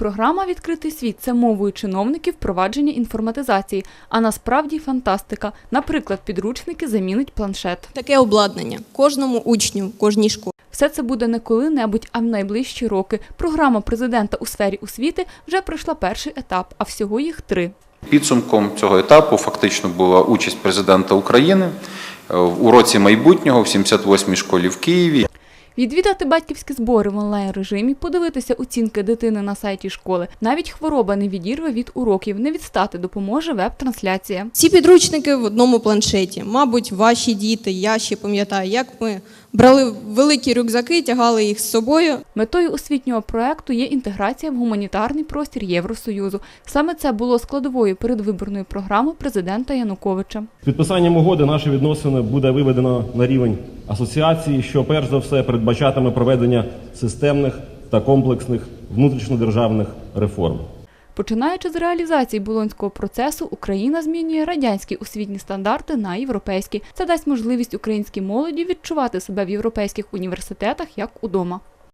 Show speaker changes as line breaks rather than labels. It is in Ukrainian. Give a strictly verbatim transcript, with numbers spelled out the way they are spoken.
Програма «Відкритий світ» – це мовою чиновників впровадження інформатизації, а насправді фантастика. Наприклад, підручники замінить планшет.
Таке обладнання кожному учню, кожній школі.
Все це буде не коли-небудь, а в найближчі роки. Програма президента у сфері освіти вже пройшла перший етап, а всього їх три.
Підсумком цього етапу фактично була участь президента України у році майбутнього в сімдесят восьмій школі в Києві.
Відвідати батьківські збори в онлайн-режимі, подивитися оцінки дитини на сайті школи. Навіть хвороба не відірве від уроків, не відстати допоможе веб-трансляція.
Ці підручники в одному планшеті. Мабуть, ваші діти, я ще пам'ятаю, як ми брали великі рюкзаки, тягали їх з собою.
Метою освітнього проекту є інтеграція в гуманітарний простір Євросоюзу. Саме це було складовою передвиборної програми президента Януковича.
З підписанням угоди наші відносини буде виведено на рівень асоціації, що перш за все передбачатиме проведення системних та комплексних внутрішньодержавних реформ.
Починаючи з реалізації Болонського процесу, Україна змінює радянські освітні стандарти на європейські. Це дасть можливість українській молоді відчувати себе в європейських університетах як удома.